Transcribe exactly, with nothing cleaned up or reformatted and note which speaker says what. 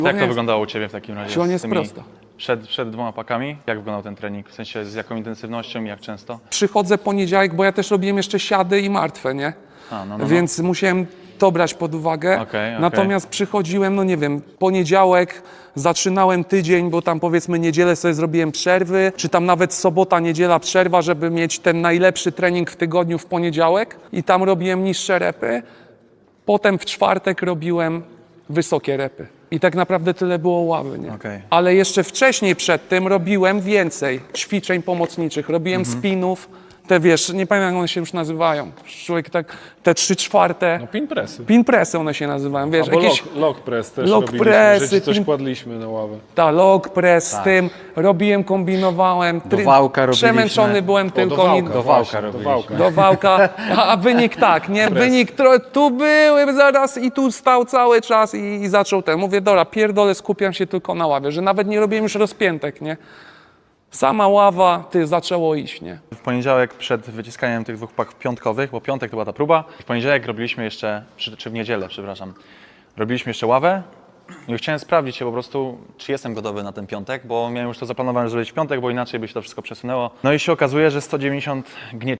Speaker 1: Jak to wyglądało u Ciebie w takim razie?
Speaker 2: Siłownia
Speaker 1: z
Speaker 2: jest
Speaker 1: tymi-
Speaker 2: prosta.
Speaker 1: Przed, przed dwoma pakami? Jak wyglądał ten trening? W sensie z jaką intensywnością i jak często?
Speaker 2: Przychodzę poniedziałek, bo ja też robiłem jeszcze siady i martwe, nie?
Speaker 1: A, no, no, no.
Speaker 2: Więc musiałem to brać pod uwagę.
Speaker 1: Okej, okej.
Speaker 2: Natomiast przychodziłem, no nie wiem, poniedziałek, zaczynałem tydzień, bo tam powiedzmy niedzielę sobie zrobiłem przerwy, czy tam nawet sobota, niedziela przerwa, żeby mieć ten najlepszy trening w tygodniu w poniedziałek i tam robiłem niższe repy. Potem w czwartek robiłem wysokie repy. I tak naprawdę tyle było ławy, nie?
Speaker 1: Okej.
Speaker 2: Ale jeszcze wcześniej przed tym robiłem więcej ćwiczeń pomocniczych, robiłem
Speaker 1: Mhm.
Speaker 2: spinów, te wiesz, nie pamiętam jak one się już nazywają. Człowiek tak, te trzy czwarte,
Speaker 3: No pin pressy.
Speaker 2: pin pressy one się nazywają, wiesz,
Speaker 3: Albo
Speaker 2: jakieś
Speaker 3: lock, lock press też
Speaker 2: lock
Speaker 3: robiliśmy,
Speaker 2: pressy,
Speaker 3: że ci coś
Speaker 2: pin-
Speaker 3: kładliśmy na ławę.
Speaker 2: ta log press z tym, robiłem, kombinowałem.
Speaker 4: Do wałka robiliśmy.
Speaker 2: Przemęczony byłem
Speaker 3: O,
Speaker 2: tylko.
Speaker 3: do wałka,
Speaker 2: nie-
Speaker 4: Do wałka
Speaker 3: właśnie, do
Speaker 4: robiliśmy.
Speaker 3: wałka.
Speaker 2: do wałka, a, a wynik tak, nie? Wynik tro, tu byłem zaraz i tu stał cały czas i, i zaczął ten. Mówię, dobra, pierdolę, skupiam się tylko na ławie, że nawet nie robiłem już rozpiętek, nie? Sama ława, ty, zaczęło iść, nie?
Speaker 1: W poniedziałek przed wyciskaniem tych dwóch pak piątkowych, bo piątek to była ta próba, w poniedziałek robiliśmy jeszcze, czy, czy w niedzielę, przepraszam, robiliśmy jeszcze ławę i chciałem sprawdzić się po prostu, czy jestem gotowy na ten piątek, bo miałem już to zaplanowane zrobić w piątek, bo inaczej by się to wszystko przesunęło. No i się okazuje, że sto dziewięćdziesiąt gnieci